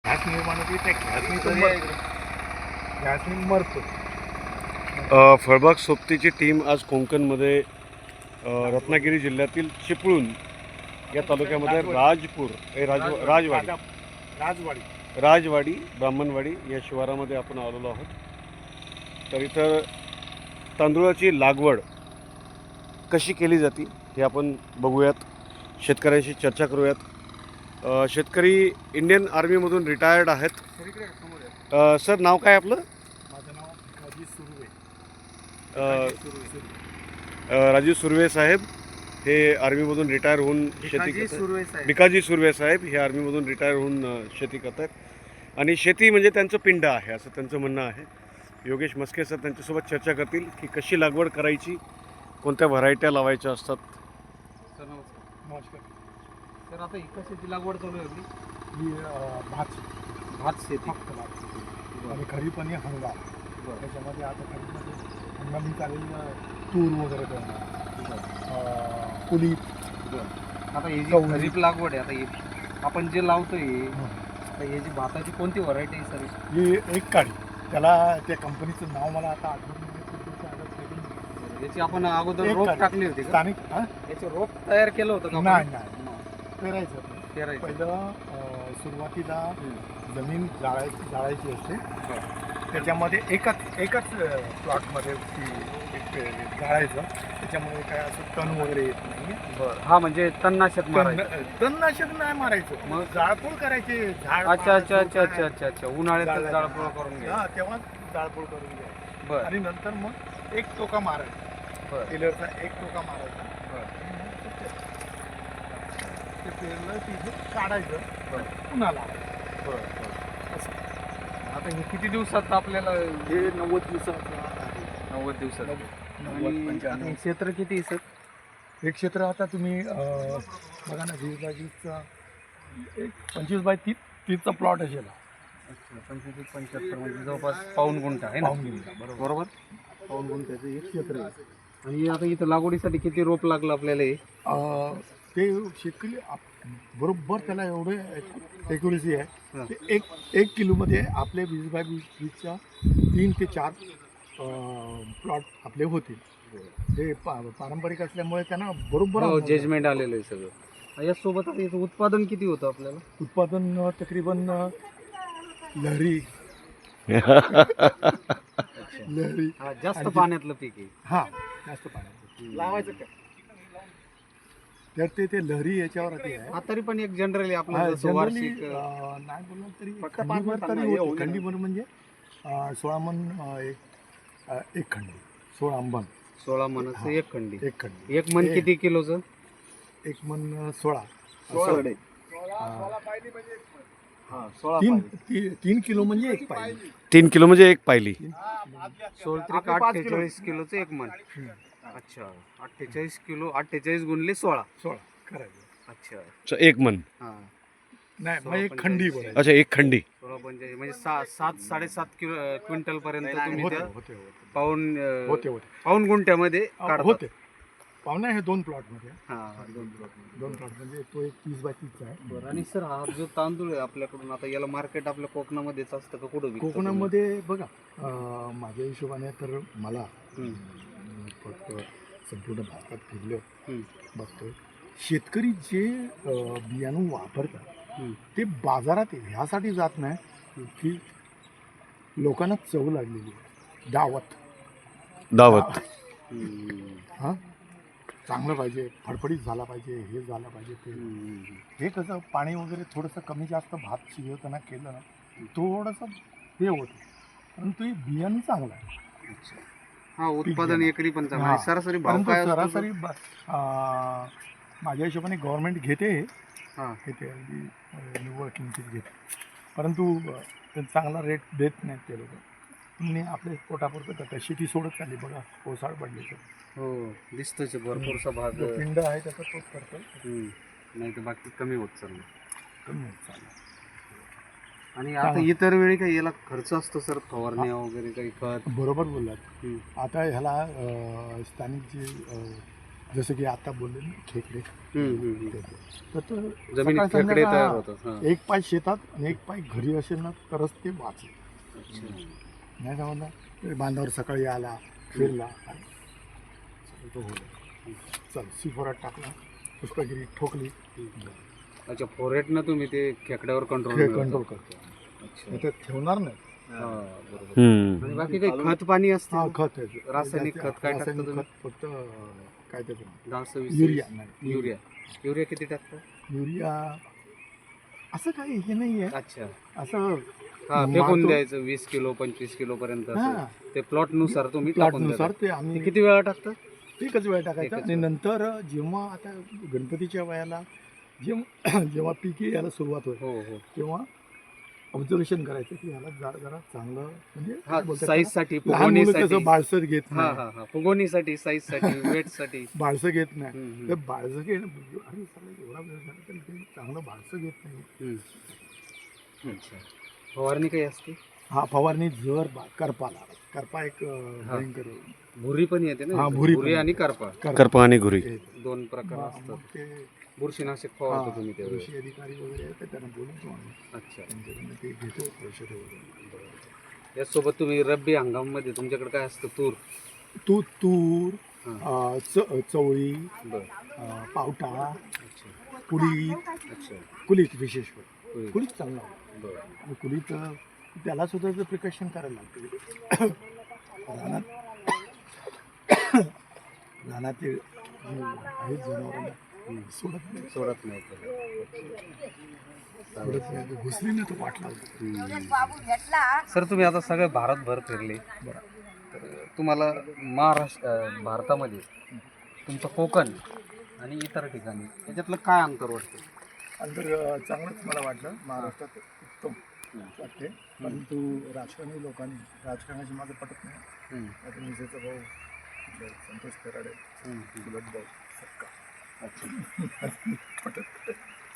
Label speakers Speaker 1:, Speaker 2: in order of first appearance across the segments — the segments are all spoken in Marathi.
Speaker 1: घास निर्माण होते त्या घासनी मरतो.
Speaker 2: फळबाग सोबतीची टीम आज कोकणमध्ये रत्नागिरी जिल्ह्यातील चिपळूण या तालुक्यामध्ये राजवाडी ब्राह्मणवाडी या शिवारामध्ये आपण आलेलो आहोत. तर इथं तांदूळाची लागवड कशी केली जाते हे आपण बघूयात, शेतकऱ्यांशी चर्चा करूयात. शेतकरी इंडियन आर्मीमधून रिटायर्ड आहेत. सर, नाव काय आपलं?
Speaker 1: माझं नाव भिकाजी सुर्वे.
Speaker 2: राजू सुर्वे साहेब हे आर्मीमधून रिटायर होऊन शेती करतात. भिकाजी सुर्वे साहेब हे आर्मीमधून रिटायर होऊन शेती करतात आणि शेती म्हणजे त्यांचं पिंड आहे असं त्यांचं म्हणणं आहे. योगेश मस्के सर त्यांच्यासोबत चर्चा करतील की कशी लागवड करायची, कोणत्या व्हरायट्या लावायच्या असतात.
Speaker 3: सर नमस्कार.
Speaker 1: नमस्कार.
Speaker 3: सर आता एका शेती लागवड चालू आहे आपली?
Speaker 1: ही भात
Speaker 3: भात शेती.
Speaker 1: फक्त भात आणि खरीप आणि हंगाम. त्याच्यामध्ये आता खरीपमध्ये हंगामी चालेल तूर वगैरे करणं, कुलीप.
Speaker 3: आता ही जी
Speaker 1: गहू.
Speaker 3: खरीप लागवड आहे, आता हे आपण जे लावतोय आता हे जी भाताची कोणती व्हरायटी आहे सर?
Speaker 1: ही एक काडी, त्याला त्या कंपनीचं नाव मला आता आठवत नाही.
Speaker 3: याची आपण अगोदर
Speaker 1: एक
Speaker 3: रोप
Speaker 1: काडी.
Speaker 3: टाकली होती का?
Speaker 1: स्थानिक
Speaker 3: याचे रोप तयार केलं होतं का?
Speaker 1: नाही पेरायचं.
Speaker 3: पेरायचं.
Speaker 1: पहिलं सुरुवातीला जमीन जाळायची असते. त्याच्यामध्ये एकाच प्लॉटमध्ये ती जाळायचं. त्याच्यामुळे काय असं तण वगैरे येत नाही.
Speaker 3: बरं. हा म्हणजे तणनाशक मारायचं.
Speaker 1: तणनाशक नाही मारायचं,
Speaker 3: मग
Speaker 1: जाळपोळ करायची. झाड
Speaker 3: अच्छा अच्छा अच्छा अच्छा अच्छा अच्छा उन्हाळ्यात जाळपोळ करून घ्या.
Speaker 1: हा, तेव्हा जाळपोळ करून घ्यायची.
Speaker 3: बरं
Speaker 1: आणि नंतर मग एक टोका मारायचा.
Speaker 3: बरं
Speaker 1: टेलरचा एक टोका मारायचा.
Speaker 3: बरं.
Speaker 1: ते पेरलं तिथे काढायचं, पुन्हा लावायचं.
Speaker 3: बरं. आता हे किती दिवसात आपल्याला?
Speaker 1: हे 90 दिवसाचं आहे.
Speaker 3: 90 दिवसात.
Speaker 1: 90,
Speaker 3: आणि आता
Speaker 1: 95.
Speaker 3: हे क्षेत्र किती आहे सर?
Speaker 1: हे क्षेत्र आता तुम्ही बघा ना, 20x20चा एक 25x30चा प्लॉट असेल.
Speaker 3: अच्छा, 25-75 म्हणजे जवळपास पाऊण गुंठा आहे ना?
Speaker 1: पाहून घेऊन
Speaker 3: बरोबर. पाऊण गुंठ्याचं एक क्षेत्र आहे. आणि आता इथं लागवडीसाठी किती रोप लागलं आपल्याला हे?
Speaker 1: ते शेतकरी बरोबर त्याला एवढे ॲक्युरेसी आहे.
Speaker 3: हां.
Speaker 1: ते एक किलोमध्ये आपले 20x20च्या 3 ते 4 प्लॉट आपले होतील. ते पारंपरिक असल्यामुळे त्यांना बरोबर
Speaker 3: जजमेंट आलेलं आहे सगळं. यासोबत आता याचं उत्पादन किती होतं आपल्याला?
Speaker 1: उत्पादन तकरीबन लहरी
Speaker 3: हा, जास्त पाण्यातलं पीक आहे.
Speaker 1: हां, जास्त पाण्यात लावायचं काय तर ते लहरी याच्यावर आहे.
Speaker 3: हा, तरी पण एक जनरली आपलं जसं
Speaker 1: जनरली
Speaker 3: वार्षिक
Speaker 1: नाही बोललं तरी
Speaker 3: फक्त
Speaker 1: खंडीभर
Speaker 3: पाच
Speaker 1: तरी
Speaker 3: हे
Speaker 1: होती.
Speaker 3: होईल.
Speaker 1: खंडीभर म्हणजे 16 मन एक खंडी, 16 मन
Speaker 3: 16 मनाचं एक खंडी.
Speaker 1: एक खंडी.
Speaker 3: एक मन किती किलोचं?
Speaker 1: एक मन 16 तीन किलो म्हणजे एक पाहिजे.
Speaker 2: 3 किलो म्हणजे एक पायली.
Speaker 3: 48 किलोचं एक मन. अच्छा, 48 किलो, 48 गुणले 16
Speaker 1: करायचं.
Speaker 3: अच्छा.
Speaker 2: एक मन.
Speaker 3: हा,
Speaker 1: नाही मग एक खंडी बोलायचं.
Speaker 2: अच्छा, एक खंडी.
Speaker 3: 16 पंचेचाळीस म्हणजे 7-7.5 क्विंटल पर्यंत तुम्ही
Speaker 1: होते
Speaker 3: त्या
Speaker 1: होते
Speaker 3: पाऊण
Speaker 1: होते
Speaker 3: गुंठ्यामध्ये काढता.
Speaker 1: होते. पाहुणा हे 2 प्लॉटमध्ये.
Speaker 3: हा,
Speaker 1: 2 प्लॉट म्हणजे तो एक 30x30चा आहे.
Speaker 3: बरं. आणि सर हा जो तांदूळ आहे आपल्याकडून, आता याला मार्केट आपल्या कोकणामध्येच असतं का कुठं विकता तुम्ही?
Speaker 1: कोकणामध्ये बघा, माझ्या हिशोबाने तर मला
Speaker 3: हम्म.
Speaker 1: फक्त संपूर्ण भारतात फिरलो
Speaker 3: हम्म.
Speaker 1: बघतोय, शेतकरी जे बियाणं वापरतात
Speaker 3: हम्म.
Speaker 1: ते बाजारात ह्यासाठी जात नाही की लोकांना चव लागलेली आहे. दावत
Speaker 2: हम्म.
Speaker 1: हां, चांगलं पाहिजे, फडफडीत झाला पाहिजे, हे झालं पाहिजे ते. हे कसं पाणी वगैरे थोडंसं कमी जास्त भात शिजवताना केलं ना, थोडंसं हे होतं, परंतु हे बियाणं चांगलं आहे.
Speaker 3: हा, उत्पादन एकरी पण चांगलं आहे.
Speaker 1: हां.
Speaker 3: सरासरी भाव
Speaker 1: परंतु
Speaker 3: काय असतो?
Speaker 1: सरासरी माझ्या हिशोबाने गव्हर्नमेंट घेते
Speaker 3: हां.
Speaker 1: अगदी निव्वळ किंमतीत घेते, परंतु ते चांगला रेट देत नाहीत ते लोक. तुम्ही आपले पोटापुरतं करता, शेती सोडत चालली बघा, ओसाड पडली तर.
Speaker 3: हो, दिसतोच आहे भरपूरसा भाग.
Speaker 1: जो पिंड आहे त्याचा तोच करतो,
Speaker 3: नाही तर बाकी कमी होत चाललं.
Speaker 1: कमी होत चालला.
Speaker 3: आणि आता इतर वेळी काही याला खर्च असतो सर, फवारण्या वगैरे काही खत?
Speaker 1: बरोबर बोललात. आता ह्याला स्थानिक जे जसं की आता बोलले ना खेकडे तर तो
Speaker 3: जमिनीत
Speaker 1: सकाळ
Speaker 3: खेकडे
Speaker 1: संध्याकाळ,
Speaker 3: तयार
Speaker 1: हा,
Speaker 3: होतात. हा.
Speaker 1: एक पाय शेतात आणि एक पाय घरी असेल ना तरच ते वाचेल.
Speaker 3: अच्छा.
Speaker 1: नाही समजलं तर बांधावर सकाळी आला फिरला आणि तो होईल. चल सिफोरात टाकला, पुष्पगिरी ठोकली,
Speaker 3: अच्छा, फोरेटनं तुम्ही ते खेकड्यावर कंट्रोल
Speaker 1: कंट्रोल करतो.
Speaker 3: अच्छा.
Speaker 1: ते ठेवणार नाही.
Speaker 3: हा, बरोबर. आणि बाकी काही खत पाणी असते
Speaker 1: हा
Speaker 3: का?
Speaker 1: खत आहे.
Speaker 3: रासायनिक खत काय टाकता
Speaker 1: रासायनिक
Speaker 3: तुम्ही?
Speaker 1: खत फक्त काय त्याचं
Speaker 3: 10-20
Speaker 1: युरिया नाही.
Speaker 3: युरिया किती टाकता?
Speaker 1: युरिया असं काही हे नाही आहे.
Speaker 3: अच्छा.
Speaker 1: असं
Speaker 3: हा, फेकून
Speaker 1: मारतो.
Speaker 3: द्यायचं 20 किलो 25 किलो पर्यंत असं.
Speaker 1: हा
Speaker 3: ते प्लॉट नुसार तुम्ही टाकून
Speaker 1: प्लॉटनुसार
Speaker 3: देता.
Speaker 1: ते
Speaker 3: ते
Speaker 1: आम्ही
Speaker 3: किती वेळा टाकता?
Speaker 1: एकच वेळ टाकायचा.
Speaker 3: एकच
Speaker 1: आणि
Speaker 3: वेळ.
Speaker 1: नंतर जेव्हा आता गणपतीच्या वयाला जेव्हा जेव्हा पीक यायला सुरुवात होईल
Speaker 3: हो हो.
Speaker 1: तेव्हा ऑब्झर्वेशन करायचं की याला झाड जरा चांगलं म्हणजे
Speaker 3: हा,
Speaker 1: काय बोलतात
Speaker 3: साईज
Speaker 1: त्याला?
Speaker 3: साठी,
Speaker 1: लहान मुलं
Speaker 3: फुगवणीसाठी.
Speaker 1: कसं बाळसर घेत
Speaker 3: हा
Speaker 1: नाही,
Speaker 3: हा हा, फुगवणीसाठी, साईज साठी, वेट साठी.
Speaker 1: बाळसं घेत नाही.
Speaker 3: हम्म,
Speaker 1: तर बाळसं घेणं अरे साला एवढा वेळ झाला तरी ते चांगलं बाळसं घेत नाही.
Speaker 3: हम्म. अच्छा. फवारणी काही असते?
Speaker 1: हा फवारणी जर करपाला करपा एक
Speaker 3: हा.
Speaker 1: भयंकर
Speaker 3: भुरी पण येते ना?
Speaker 1: हा, भुरी पण
Speaker 3: भुरी आणि
Speaker 1: येते.
Speaker 3: करपा
Speaker 2: करपा आणि घुरी.
Speaker 1: हे.
Speaker 3: दोन प्रकार
Speaker 1: मग
Speaker 3: असतात.
Speaker 1: मग ते
Speaker 3: बुरशीनाशक फवारतो तुम्ही
Speaker 1: हा,
Speaker 3: त्यावेळेस?
Speaker 1: कृषी अधिकारी वगैरे आहेत, तर त्यांना बोलवतो आम्ही.
Speaker 3: अच्छा.
Speaker 1: त्यांच्याकडनं ते घेतो औषधं वगैरे.
Speaker 3: यासोबत तुम्ही रब्बी हंगामामध्ये तुमच्याकडे काय असतं?
Speaker 1: तूर
Speaker 3: हा.
Speaker 1: चवळी,
Speaker 3: बरं.
Speaker 1: पावटा,
Speaker 3: अच्छा.
Speaker 1: कुळीत
Speaker 3: अच्छा.
Speaker 1: कुळीत विशेष करून
Speaker 3: होय.
Speaker 1: कुळीत चांगला आहे.
Speaker 3: बरं.
Speaker 1: आणि कुळीत त्याला सुद्धा जर प्रिकॉशन करायला लागते. रानात ते आहेत जनावरांना सोडत नाही
Speaker 3: सोडत नाही त्याला.
Speaker 1: सोडत नाही. घुसली ना तर वाट लागते.
Speaker 3: सर, तुम्ही आता सगळे भारतभर फिरले. तर तुम्हाला भारतामध्ये तुमचं कोकण आणि इतर ठिकाणी याच्यातलं काय अंतर वाटतं?
Speaker 1: अंतर चांगलंच मला वाटलं. महाराष्ट्रात उत्तम वाटते, परंतु राजकारणी लोकांनी राजकारणाशी माझं पटत नाही. आता मिसेचा भाऊ आपले संतोष कराडे, सुलभ भाऊ सक्का पटत नाही.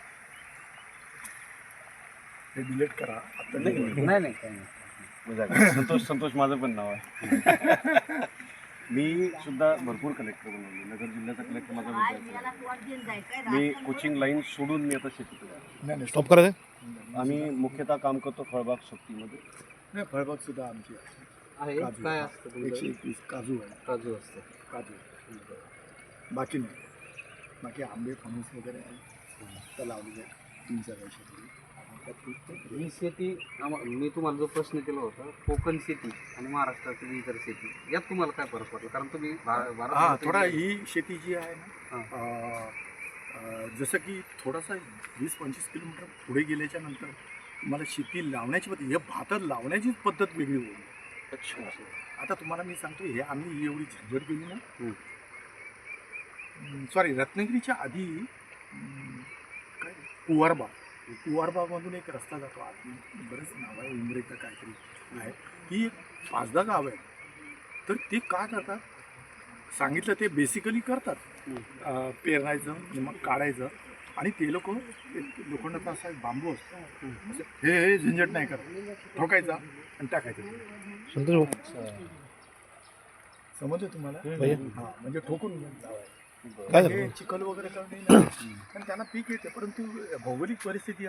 Speaker 1: हे डिलीट करा आता.
Speaker 3: नाही नाही, काही नाही.
Speaker 2: संतोष माझं पण नाव आहे. मी सुद्धा भरपूर कलेक्टर बनवले. नगर जिल्ह्याचा कलेक्टर माझा विद्यार्थी. मी कोचिंग लाईन सोडून मी आता शेतीत आहे.
Speaker 1: नाही नाही स्टॉप करायचं.
Speaker 2: आम्ही मुख्यतः काम करतो फळबाग शक्तीमध्ये.
Speaker 1: नाही फळबाग सुद्धा आमची
Speaker 3: आहे
Speaker 1: काजू.
Speaker 3: काय असतं तुमचं?
Speaker 1: 121 काजू आहे.
Speaker 3: काजू असतं.
Speaker 1: काजू बाकी नाही. बाकी आंबे फणस वगैरे आहे तर लावलेले आहे 3-4 वर्षापूर्वी.
Speaker 3: ही शेती मी तुम्हाला जो प्रश्न केला होता, कोकण शेती आणि महाराष्ट्रातील इतर शेती, यात तुम्हाला काय फरक पडला? कारण तुम्ही
Speaker 1: हा थोडा ही शेती जी आहे ना जसं की थोडासा 20-25 किलोमीटर पुढे गेल्याच्या नंतर तुम्हाला शेती लावण्याची पद्धत, हे भात लावण्याचीच पद्धत वेगळी होईल.
Speaker 3: अच्छा.
Speaker 1: आता तुम्हाला मी सांगतो, हे आम्ही एवढी झंझट गेली ना. सॉरी, रत्नागिरीच्या आधी काय कुवारबागमधून एक रस्ता जातो आत, बरेच नाव आहे, उमरे का काहीतरी आहे. ही एक 5-10 गाव आहे. तर ते काय करतात सांगितलं ते बेसिकली करतात. पेरणायचं मग काढायचं आणि ते लोखंडाचा असा एक बांबू असतो, हे झंझट नाही करत, ठोकायचा आणि टाकायचं. समजलं तुम्हाला? हां, म्हणजे ठोकून लावायचं. हे चिखल वगैरे करणे नाही, कारण त्यांना पीक येते. परंतु भौगोलिक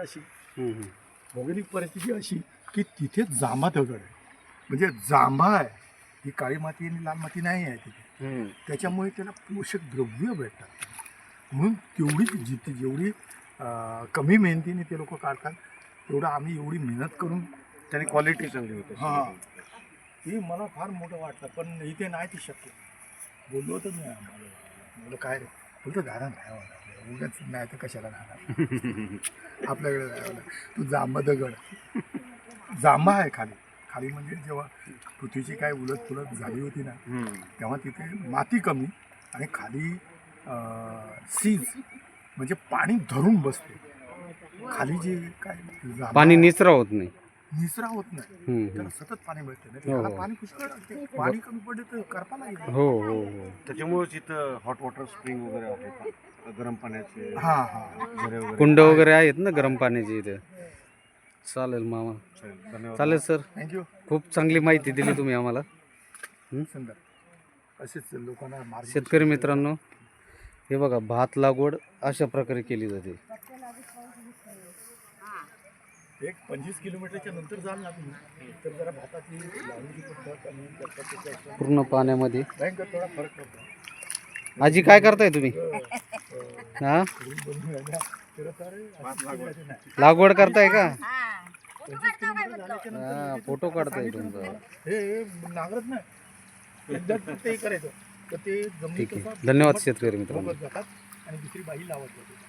Speaker 1: परिस्थिती अशी की तिथे जांभा दगड आहे. म्हणजे जांभा आहे, ही काळी माती आणि लाल माती नाही आहे तिथे. त्याच्यामुळे त्याला पोषक द्रव्य भेटतात. म्हणून जेवढी कमी मेहनतीने ते लोक काढतात, तेवढं आम्ही एवढी मेहनत करून
Speaker 2: त्याने क्वालिटी चांगली होते.
Speaker 1: हां, हे मला फार मोठं वाटतं. पण इथे नाही ते शक्य. बोललो होतं मी आम्हाला, बोललो काय रे, बोलतो दादा नाही उगाच नाही तर कशाला राहणार आपल्याकडे राहावं. तू जांभा दगड, जांभा आहे खाली म्हणजे जेव्हा पृथ्वीची काय उलट झाली होती ना, तेव्हा तिथे माती कमी आणि खाली सीज म्हणजे पाणी धरून बसते. खाली जे काय जांभा
Speaker 3: पाणी निचरा होत नाही.
Speaker 1: निचरा होत नाही, त्याला सतत पाणी मिळते ना. त्याला पाणी पुष्कळ लागते. पाणी कमी पडले तर करपाला येईल.
Speaker 3: हो हो हो.
Speaker 2: त्याच्यामुळेच इथं हॉट वॉटर स्प्रिंग वगैरे आहे, गरम पाण्याचे
Speaker 1: हां
Speaker 2: झरे वगैरे.
Speaker 3: कुंड वगैरे आहेत ना गरम पाण्याची इथे. चालेल मामा,
Speaker 2: धन्यवाद.
Speaker 3: चालेल सर.
Speaker 1: थँक्यू.
Speaker 3: खूप चांगली माहिती दिली तुम्ही आम्हाला.
Speaker 1: सुंदर. असेच लोकांना मार्ग
Speaker 3: शेतकरी मित्रांनो, हे बघा भात लागवड अशा प्रकारे केली जाते.
Speaker 1: एक 25 किलोमीटरच्या नंतर जाल ना तुम्ही तर जरा भाताची लावणीची पद्धत आणि त्याच्या
Speaker 3: पूर्ण पाण्यामध्ये.
Speaker 1: भयंकर थोडा फरक पडतो.
Speaker 3: आजी काय करताय तुम्ही? हा लागवड करताय का? हा फोटो काढताय तुमचा.
Speaker 1: हे नांगरत नाही एकदा फक्त हे करायचं तर ते
Speaker 3: ठीक
Speaker 1: जमिनीत
Speaker 3: आहे. धन्यवाद शेतकरी मित्रांनो.
Speaker 1: जातात आणि दुसरी बाई लावत जाते.